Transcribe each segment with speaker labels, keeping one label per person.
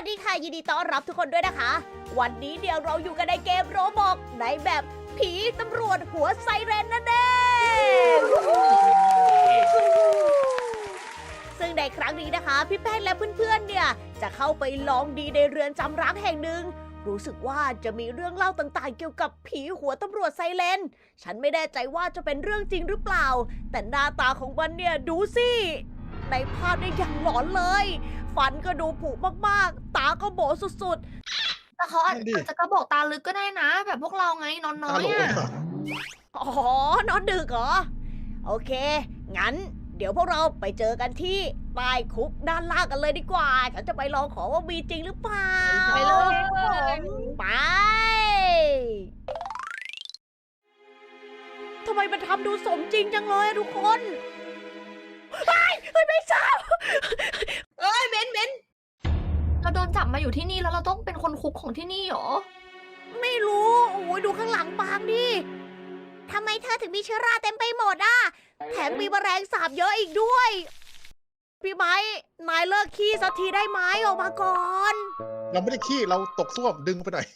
Speaker 1: สดีค่ะยินดีต้อนรับทุกคนด้วยนะคะ วันนี้เดี๋ยวเราอยู่กันในเกมโรบอกในแบบผีตำรวจหัวไซเรนนั่นเองซึ่งในครั้งนี้นะคะพี่แป้งและเพื่อนๆเนี่ยจะเข้าไปลองดีในเรือนจำร้างแห่งหนึ่งรู้สึกว่าจะมีเรื่องเล่าต่างๆเกี่ยวกับผีหัวตำรวจไซเรนฉันไม่แน่ใจว่าจะเป็นเรื่องจริงหรือเปล่าแต่หน้าตาของมันเนี่ยดูสิในภาพเนี่ยอย่างหลอนเลยฟันก็ดูผุมากๆตาก็โบสุด
Speaker 2: แต่เขาอาจจะกระบอกตาลึกก็ได้นะ แบบพวกเราไงนอนน้อยอ่ะ
Speaker 1: ๆอ๋อนอนดึกเหรอโอเคงั้นเดี๋ยวพวกเราไปเจอกันที่ใต้คุกด้านล่างกันเลยดีกว่าฉันจะไปลองขอว่ามีจริงหรือเปล่า
Speaker 2: ไปเลย
Speaker 1: ไปทำไมมันทำดูสมจริงจังเลยอะทุกคนเฮ้ยไม่ทราบ
Speaker 2: เอ้ยเบนเราโดนจับมาอยู่ที่นี่แล้วเราต้องเป็นคนคุกของที่นี่เหรอ
Speaker 1: ไม่รู้โอ้ยดูข้างหลังปางดิทำไมเธอถึงมีเชื้อราเต็มไปหมดอ่ะแถมมีแมลงสาบเยอะอีกด้วย พี่ไม้นายเลิกขี้สักทีได้ไหมออกมาก่อน
Speaker 3: เราไม่ได้ขี้เราตกส้วมดึงไปหน่อย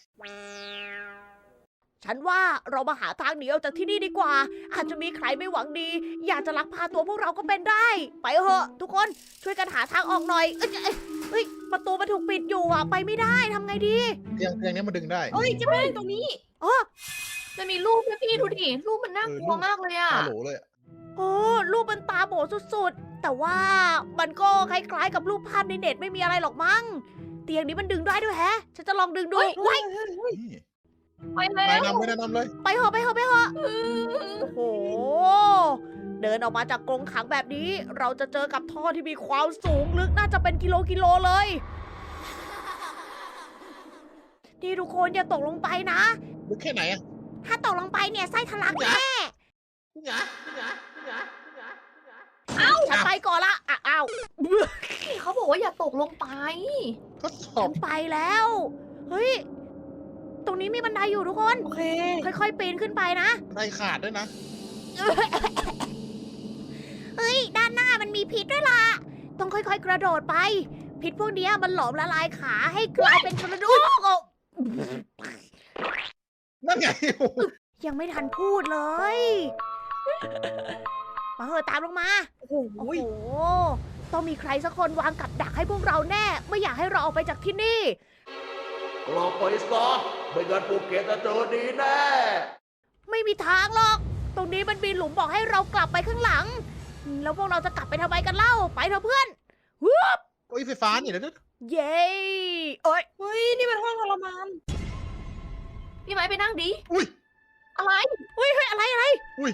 Speaker 1: ฉันว่าเรามาหาทางหนีออกจากที่นี่ดีกว่า อาจจะมีใครไม่หวังดี อยากจะลักพาตัวพวกเราก็เป็นได้ ไปเถอะทุกคนช่วยกันหาทางออกหน่อยเอ้ยประตูมันถูกปิดอยู่อ่ะไปไม่ได้ทำไงดี
Speaker 3: เตียงนี้มันดึงได้
Speaker 2: เอ้ยเจะไม่ตรงนี้
Speaker 1: อ๋อ
Speaker 2: มันมีรูปด้วยพี่ดูดิ รูปมันน่ากลัวมากเลยอ่ะ
Speaker 3: ตาโหลเลยอะ
Speaker 1: โอ้รูปมันตาโบสุดๆ แต่ว่ามันก็คล้ายๆกับรูปภาพในเน็ตไม่มีอะไรหรอกมั้งเตียงนี้มันดึงได้ด้วยแฮะ ฉันจะลองดึงดู
Speaker 2: เฮ้ย
Speaker 1: ไว้
Speaker 3: นี่
Speaker 2: ไปแล้
Speaker 3: นา
Speaker 2: วย
Speaker 3: นำเลยแนะนำเลย
Speaker 1: ไปเถอะโอ้โห เดินออกมาจากกรงขังแบบนี้ เราจะเจอกับท่อที่มีความสูงลึกน่าจะเป็นกิโลเลย นี่ทุกคนอย่าตกลงไปนะ
Speaker 3: ลึกแค่ไหนอะ
Speaker 1: ถ้าตกลงไปเนี่ยไส้ทะลักแน่ ฉันไปก่อนละอ้าว
Speaker 2: นี่เขาบอกว่าอย่าตกลงไป
Speaker 3: ทดสอ
Speaker 1: ฉั
Speaker 3: บ
Speaker 1: นไปแล้ว เฮ้ย ตรงนี้มีบันไดอยู่ทุกคน
Speaker 2: โอเค
Speaker 1: ค่อยๆปีนขึ้นไปนะ
Speaker 3: ได้ขาดด้วยนะ
Speaker 1: เฮ้ย ด้านหน้ามันมีพิษด้วยล่ะ ต้องค่อยๆ กระโดดไป พิษพวกเนี้ยมันหลอมละลายขาให้กลายเป็นกระดูก
Speaker 3: นั่นไง
Speaker 1: ยังไม่ทันพูดเลย มาเหอะตามลงมา
Speaker 2: โอ้โห
Speaker 1: โอ้โห ต้องมีใครสักคนวางกับดักให้พวกเราแน่ ไม่อยากให้เราออกไปจากที่นี่
Speaker 4: กลับไปซะไม่งั้นพวกแกจะเจอดีแน่
Speaker 1: ไม่มีทางหรอก ตรงนี้มันมีหลุมบอกให้เรากลับไปข้างหลัง แล้วพวกเราจะกลับไปทำไมกันเล่า ไปเถอะเพื่อนฮึบ
Speaker 3: โอ้ยไฟฟ้านี่เดี๋ยวนะ
Speaker 1: เย้เอ้ย
Speaker 2: เฮ้ย นี่มันห้องทรมาน พี่ไม้ไปนั่งดิ
Speaker 3: อุ้ย
Speaker 2: อะไร
Speaker 1: เฮ้ยอะไร
Speaker 3: อุ้ย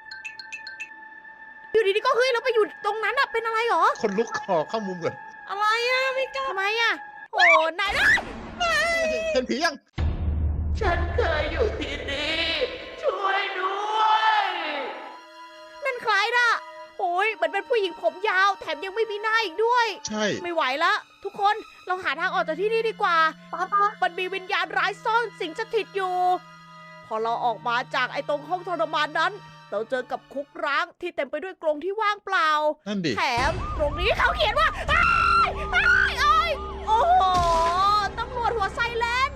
Speaker 1: อยู่ดีๆก็เฮ้ยเราไปอยู่ตรงนั้นอะเป็นอะไรหรอ
Speaker 3: คนลุกขอเข้ามุมก่อน
Speaker 2: อะไรอ่ะไม่กล้า
Speaker 1: ทำไมอะโอ้นายนะ
Speaker 3: เห็นผียัง
Speaker 4: ฉันเคยอยู่ที่นี่ ช่วยด้วย
Speaker 1: นั่นใครน่ะ โอ้ยเหมือนเป็นผู้หญิงผมยาว แถมยังไม่มีหน้าอีกด้วย
Speaker 3: ใช่
Speaker 1: ไม่ไหวละทุกคนเราหาทางออกจากที่นี่ดีกว่า
Speaker 2: ป้า
Speaker 1: มันมีวิญญาณร้ายซ่อนสิงสถิตอยู่ พอเราออกมาจากไอ้ตรงห้องทรมานนั้น เราเจอกับคุกร้างที่เต็มไปด้วยกรงที่ว่างเปล่า
Speaker 3: นั่นดิ
Speaker 1: แถมตรงนี้เขาเขียนว่าอ้ายโอ้โหตำรวจหัวไซเรน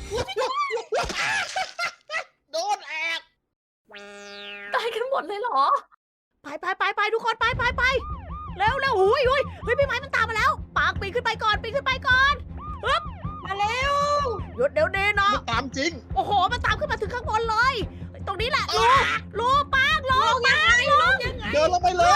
Speaker 3: โดนแอบ
Speaker 2: ตายกันหมดเลยเหรอ
Speaker 1: ไปทุกคนไปเร็วหุยเฮ้ยพี่ไม้มันตามมาแล้วปางปีนขึ้นไปก่อนฮึบ
Speaker 2: มาเร็ว
Speaker 1: หยุดเดี๋ยวนี้นะ
Speaker 3: มันตามจริง
Speaker 1: โอ้โหมันตามขึ้นมาถึงข้างบนเลย ตรงนี้แหละลูปางลง
Speaker 3: เดินลงไปเลย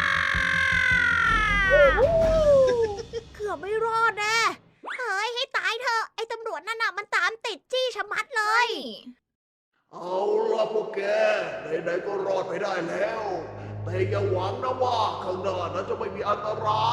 Speaker 1: เกือบไม่รอดแน่เฮ้ยให้ตายเถอะไอ้ตำรวจนั่นน่ะมันตามติดจี้ชะมัดเลย
Speaker 4: เอาล่ะพวกแกไหนๆก็รอดไปได้แล้ว แต่อย่าหวังนะว่าข้างหน้านั้นจะไม่มีอันตราย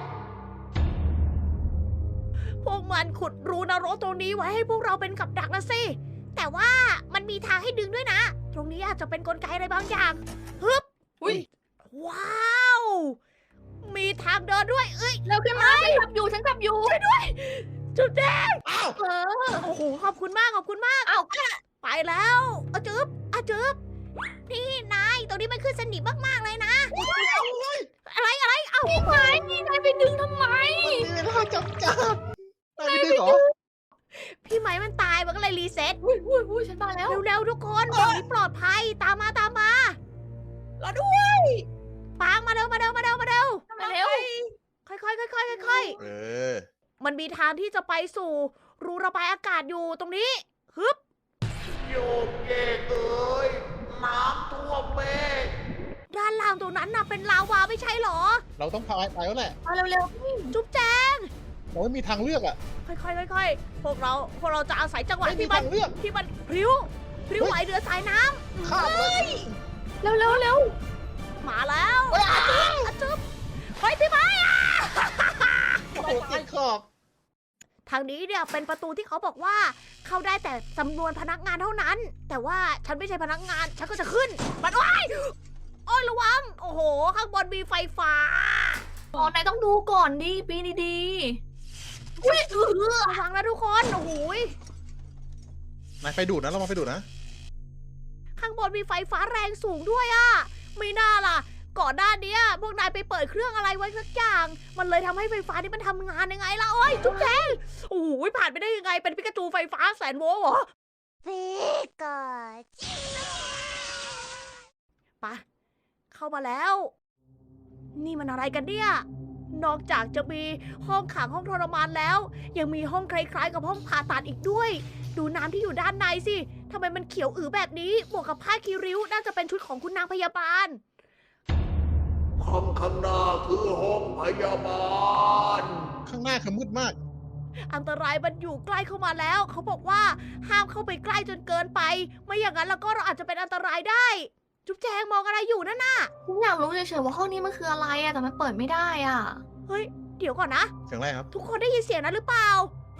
Speaker 1: พวกมันขุดรูนรกตรงนี้ไว้ให้พวกเราเป็นกับดักนะสิ แต่ว่ามันมีทางให้ดึงด้วยนะ ตรงนี้อาจจะเป็นกลไกอะไรบางอย่างฮึบ
Speaker 2: อุ้ย
Speaker 1: ว้าว มีทางเดินด้วย เอ้ย
Speaker 2: เร็วขึ้นมาฉันขับอยู่ช่วยด้วย
Speaker 1: จุดแดง
Speaker 3: อ้าว
Speaker 2: เออ
Speaker 1: โอ้โห ขอบคุณมาก
Speaker 2: อ้าว
Speaker 1: ไปแล้วเอาจึ๊บนี่นาย ตรงนี้มันขึ้นสนิมมากๆเลยนะ อะไร เอ้า
Speaker 2: พี่ไม้นี่นายไปดึงทำไม
Speaker 3: มันมีเวลาจำกัดงเหรอ
Speaker 1: พี่ไม้มันตายมันก็เลยรีเซ็ต
Speaker 2: อุ้ยฉันมาแล้ว
Speaker 1: เร็วๆทุกคนตรงนี้ปลอดภัยตามมาตามมาเราด้วยปางมาเร็วมาเร็วมาเร็วมาเร็ว
Speaker 2: มาเร็ว
Speaker 1: ค่อยๆค่อยๆค่อยๆ
Speaker 3: เออ
Speaker 1: มันมีทางที่จะไปสู่รูระบายอากาศอยู่ตรงนี้ฮึบ
Speaker 4: โยกเยกเอ้ยน้ำท่วมเมฆ
Speaker 1: ด้านล่างตรงนั้นน่ะเป็นลาวาไม่ใช่เหรอ
Speaker 3: เราต้องพายไปแล้วแหละ
Speaker 2: มาเร็ว
Speaker 1: จุ๊บแจง
Speaker 3: เราไม่มีทางเลือกอ่ะ
Speaker 1: ค่อยๆค่อยๆพวกเราจะอาศัยจังหวะ
Speaker 3: ไม่มี
Speaker 1: ที่มัน
Speaker 3: ทางเลือก
Speaker 1: ที่มันพริ้วไหวเรือสายน้
Speaker 3: ข้ามเลย
Speaker 2: ๆเร็ว
Speaker 1: ำมาแล้วอะจุ๊บเฮ้ยพี่ไม้อะ
Speaker 3: โอ้โหตายขอบ
Speaker 1: ทางนี้เนี่ยเป็นประตูที่เขาบอกว่าเข้าได้แต่จำนวนพนักงานเท่านั้น แต่ว่าฉันไม่ใช่พนักงานฉันก็จะขึ้นมันว้ายโอ้ยระวังโอ้โห ข้างบนมีไฟฟ้า
Speaker 2: อ๋อนายต้องดูก่อนดิปีนดี
Speaker 1: อุ้ยระวังนะทุกคนโอ้โหย
Speaker 3: นายไฟดูดนะเรามาไฟดูดนะ
Speaker 1: ข้างบนมีไฟฟ้าแรงสูงด้วยอะไม่น่าล่ะ ก่อนหน้านี้พวกนายไปเปิดเครื่องอะไรไว้สักอย่าง มันเลยทำให้ไฟฟ้านี่มันทำงานยังไงล่ะโอ้ยจุ๊บแจงโอ้โหผ่านไปได้ยังไงเป็นปิกาจูไฟฟ้าแสนโวลต์เหรอปิกาจูปะเข้ามาแล้ว นี่มันอะไรกันเนี่ย นอกจากจะมีห้องขังห้องทรมานแล้ว ยังมีห้องคล้ายๆกับห้องผ่าตัดอีกด้วย ดูน้ำที่อยู่ด้านในสิทำไมมันเขียวอือแบบนี้ บวกกับผ้าคีริ้วน่าจะเป็นชุดของคุณนางพยาบาล
Speaker 4: ข้างหน้าคือห้องพยาบาล
Speaker 3: ข้างหน้าคือมืดมาก
Speaker 1: อันตรายมันอยู่ใกล้เข้ามาแล้ว เขาบอกว่าห้ามเข้าไปใกล้จนเกินไป ไม่อย่างนั้นแล้วก็เราอาจจะเป็นอันตรายได้ จุ๊บแจงมองอะไรอยู่นั่นน่ะ
Speaker 2: ๆฉันอยากรู้เฉยๆว่าห้องนี้มันคืออะไรอะแต่มันเปิดไม่ได้อะ
Speaker 1: เฮ้ย เดี๋ยวก่อนนะ
Speaker 3: เสียงอะไรครับ
Speaker 1: ทุกคนได้ยินเสียงนั้นหรือเปล่า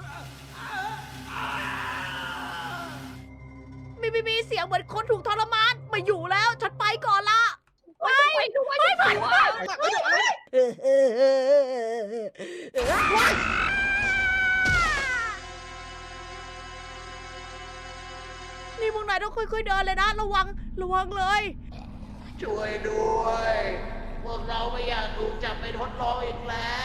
Speaker 1: มีเสียงเหมือนคนถูกทรมานไมาอยู่แล้ว ฉันไปก่อนละ
Speaker 2: ไปด้วยไป
Speaker 1: นี่พวกนายต้องค่อยๆเดินเลยนะ ระวังเลย
Speaker 4: ช่วยด้วย พวกเราไม่อยากถูกจับไปทดลองอีกแล้ว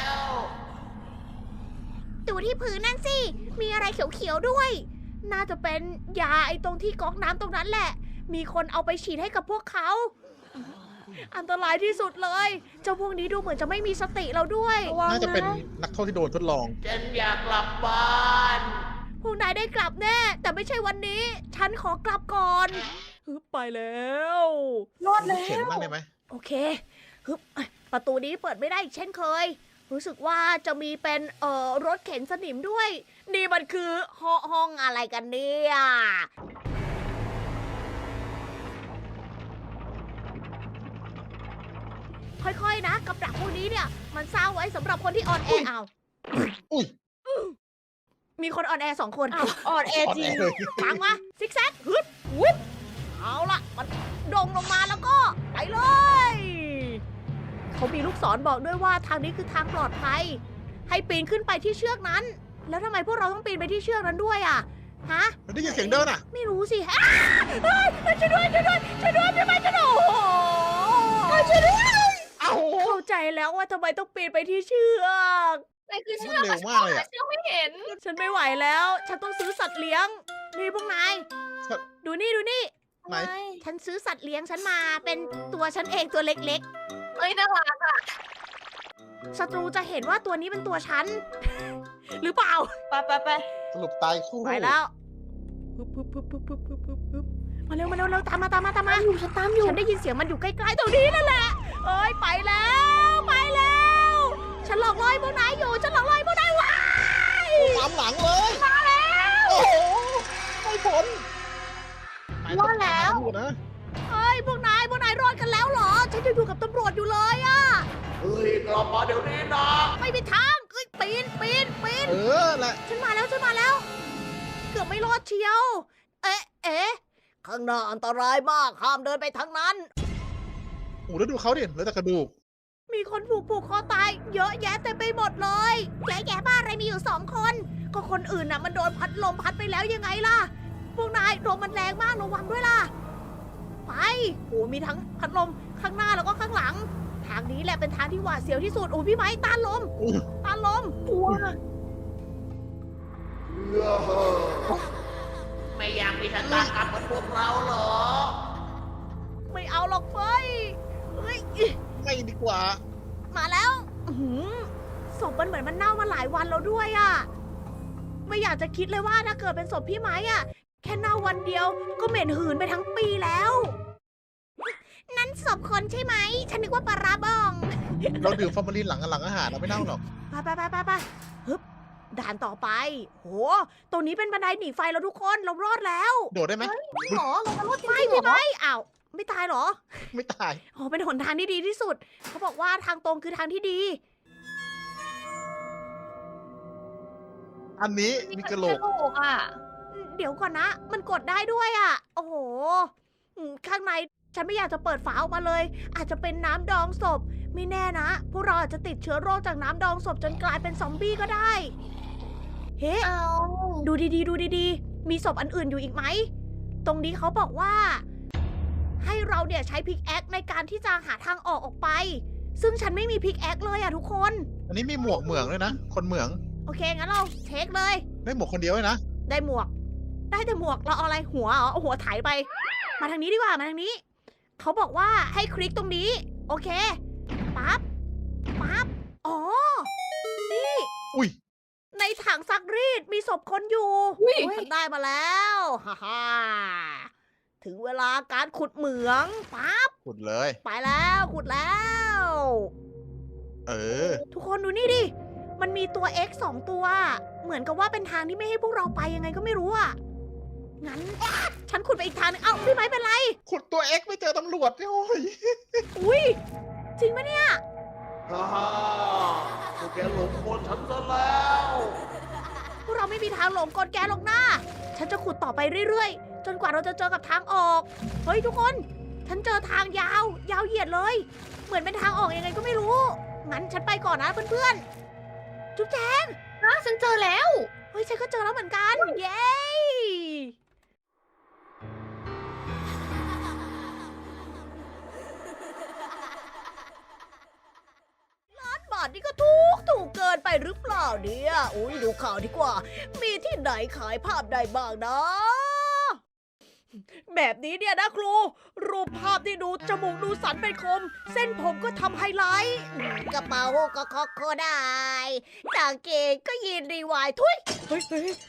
Speaker 1: ดูที่พื้นนั่นสิ มีอะไรเขียวๆด้วย น่าจะเป็นยาไอ้ตรงที่ก๊อกน้ำตรงนั้นแหละ มีคนเอาไปฉีดให้กับพวกเขา อันตรายที่สุดเลย เจ้าพวกนี้ดูเหมือนจะไม่มีสติเราด้วย
Speaker 3: น่าจะเป็นนักโทษที่โดนทดลอง
Speaker 4: ฉันอยากกลับบ้าน
Speaker 1: พวกนายได้กลับแน่ แต่ไม่ใช่วันนี้ ฉันขอกลับก่อนฮึบไปแล้ว
Speaker 2: รอดแล้
Speaker 3: เข็น
Speaker 2: ว
Speaker 3: บ้างได้ไหม
Speaker 1: โอเคฮึบประตูนี้เปิดไม่ได้อีกเช่นเคย รู้สึกว่าจะมีเป็นรถเข็นสนิมด้วย นี่มันคือห้องอะไรกันเนี่ยค่อยๆนะกับดักพวกนี้เนี่ย มันสร้างไว้สำหรับคนที่อ่อนแอเอา
Speaker 3: อุ้ย
Speaker 1: มีคนอ่อนแอสองคน
Speaker 2: อ่อนแอ
Speaker 3: อ่อน
Speaker 2: จริ
Speaker 3: แอง เลย
Speaker 1: ฟังมาซิกแซกฮึดวุบเอาละมันโด่งลงมาแล้วก็ไปเลย เขามีลูกศรบอกด้วยว่าทางนี้คือทางปลอดภัย ให้ปีนขึ้นไปที่เชือกนั้น แล้วทำไมพวกเราต้องปีนไปที่เชือกนั้นด้วยอ่ะฮะ
Speaker 3: เราได้ยินเสียงเดินอ่ะ
Speaker 1: ไม่รู้สิฮะเฮ้ยช่วยด้วยพี่ไม้ช่วยด้วยโอ้โหช่วยด้วย
Speaker 3: เอ้า
Speaker 1: เข้าใจแล้วว่าทำไมต้องปีนไปที่เชือก
Speaker 2: นายคือเชื
Speaker 3: มั
Speaker 2: อน ก
Speaker 3: เร็วมากเลยอะ
Speaker 2: เชือกไม่เห็น
Speaker 1: ฉันไม่ไหวแล้ว ฉันต้องซื้อสัตว์เลี้ยง นี่พวกนาย ดูนี่
Speaker 3: ไหน
Speaker 1: ฉันซื้อสัตว์เลี้ยงฉันมาเป็นตัวฉันเองตัวเล็ก
Speaker 2: เอ้ยน่ารักอะ
Speaker 1: ๆ ศัตรูจะเห็นว่าตัวนี้เป็นตัวฉัน หรือเปล่า
Speaker 2: ไป
Speaker 3: สรุปตายคู่
Speaker 1: ไปแล้วฮึบมาเร็วตามมา
Speaker 2: ฉันตามอยู่
Speaker 1: ฉันได้ยินเสียงมันอยู่ใกล้ๆตรงนี้นั่นแหละ เอ้ยไปแล้ว ฉันหลอกล่อให้พวกนายอยู่ ฉันหลอกล่อให้พวกนายว้าย
Speaker 3: ตามหลังเลย
Speaker 1: มาแล้ว
Speaker 3: โอ้โหไม่พ้น
Speaker 2: รอดแล้ว
Speaker 3: นะ
Speaker 1: เอ้ยพวกนายรอดกันแล้วเหรอ ฉันจะอยู่กับตำรวจอยู่เลยอะ
Speaker 4: เฮ้ย กลับมาเดี๋ยวนี้นะ
Speaker 1: ไม่มีทางเอ้ยปีน
Speaker 3: เออแหละ
Speaker 1: ฉันมาแล้ว เกือบไม่รอดเชียว เอ๊ะ ข้างหน้าอันตรายมาก ห้ามเดินไปทางนั้น
Speaker 3: โอ้แล้วดูเขาดิเหลือแต่กระดูก
Speaker 1: มีคนถูกผูกคอตาย เยอะแยะเต็มไปหมดเลยแย่บ้าอะไรมีอยู่2 คน ก็คนอื่นน่ะมันโดนพัดลมพัดไปแล้วยังไงล่ะ พวกนายลมมันแรงมากระวังด้วยล่ะ ไปโอ้มีทั้งพัดลมข้างหน้าแล้วก็ข้างหลัง ทางนี้แหละเป็นทางที่หวาดเสียวที่สุด โอ้พี่ไม้ต้านลม
Speaker 3: อุ๊ย
Speaker 1: ต้านลม
Speaker 2: กลัว
Speaker 4: ชะตากรรมเหมือนพวกเราเหรอ
Speaker 1: ไม่เอาหรอกเฟยเฮ้ย
Speaker 3: ไม่ดีกว่า
Speaker 1: มาแล้วอื้อหือศพมันเหมือนมันเน่ามาหลายวันแล้วด้วยอะไม่อยากจะคิดเลยว่าถ้าเกิดเป็นศพพี่ไม้อะแค่เน่าวันเดียวก็เหม็นหืนไปทั้งปีแล้ว นั่นศพคนใช่ไหม ฉันนึกว่าปลาร้าบอง
Speaker 3: เราดื่มฟอร์มาลินหลังอาหารเราไม่เน่าหรอก
Speaker 1: ไปฮึบด่านต่อไป โห ตรงนี้เป็นบันไดหนีไฟแล้วทุกคน เรารอดแล้ว
Speaker 3: โดดได้ไหม
Speaker 2: หรอเราจะรอดจริ
Speaker 1: ไม่
Speaker 2: งๆ
Speaker 1: พี่
Speaker 2: เหรอ
Speaker 1: ไม้อ้าว ไม่ตายเหรอ
Speaker 3: ไม่ตาย
Speaker 1: โอ้เป็นหนทางที่ดีที่สุด เขาบอกว่าทางตรงคือทางที่ดี
Speaker 3: อันนี้มีกระโหลก
Speaker 2: กระโหลกอ่ะ
Speaker 1: เดี๋ยวก่อนนะ มันกดได้ด้วยอ่ะ โอ้โหข้างในฉันไม่อยากจะเปิดฝาออกมาเลย อาจจะเป็นน้ำดองศพ ไม่แน่นะ พวกเราอาจจะติดเชื้อโรคจากน้ำดองศพจนกลายเป็นซอมบี้ก็ได้ เฮ้
Speaker 2: เอา
Speaker 1: ดูดีๆ ดูดีๆ มีศพอันอื่นอยู่อีกไหม ตรงนี้เขาบอกว่า ให้เราเนี่ยใช้พิกแอคในการที่จะหาทางออกไป ซึ่งฉันไม่มีพิกแอคเลยอ่ะทุกคน
Speaker 3: อันนี้มีหมวกเหมืองด้วยนะ คนเหมือง
Speaker 1: โอเค งั้นเราเช็คเลย
Speaker 3: ได้หมวกคนเดียวเลยนะ
Speaker 1: ได้หมวก ได้แต่หมวก เราเอาอะไร หัวเหรอเอาหัวไถไป มาทางนี้ดีกว่า มาทางนี้ เขาบอกว่าให้คลิกตรงนี้ โอเค ปั๊บ ปั๊บ อ๋อ นี่
Speaker 3: อุ้ย
Speaker 1: ในถังซักรีดมีศพคนอยู่
Speaker 2: อุ้ย
Speaker 1: ฉันได้มาแล้ว ฮ่าฮ่าถึงเวลาการขุดเหมือง ปั๊บ
Speaker 3: ขุดเลย
Speaker 1: ไปแล้วขุดแล้ว
Speaker 3: เออ
Speaker 1: ทุกคนดูนี่ดิ มันมีตัว X 2 ตัว เหมือนกับว่าเป็นทางที่ไม่ให้พวกเราไปยังไงก็ไม่รู้อ่ะ งั้น ฉันขุดไปอีกทางนึง เอ้าพี่ไม้เป็นไร
Speaker 3: ขุดตัวเอ็กไม่เจอตำรวจโอ้ย
Speaker 1: อุ้ย จริงปะเนี่ย
Speaker 4: ฮ่าฮ่าพวกแกหลงกลฉันซะแล้ว
Speaker 1: พวกเราไม่มีทางหลงกลแกหรอกนะฉันจะขุดต่อไปเรื่อยๆ จนกว่าเราจะเจอกับทางออก เฮ้ยทุกคน ฉันเจอทางยาว ยาวเหยียดเลย เหมือนเป็นทางออกยังไงก็ไม่รู้ งั้นฉันไปก่อนนะเพื่อนๆ จุ๊บแจง
Speaker 2: นะฉันเจอแล้ว
Speaker 1: เฮ้ยฉันก็เจอแล้วเหมือนกัน เย้บาทนี่ก็ถูกเกินไปหรือเปล่าเนี่ยอุ้ยดูข่าวดีกว่า มีที่ไหนขายภาพได้บ้างนะ แบบนี้เนี่ยนะครู รูปภาพที่ดูจมูกดูสันเป็นคม เส้นผมก็ทำไฮไลท์กระเป๋าก็คอกโคได้กางเกงก็ยีนรีวายทุยเฮ้ย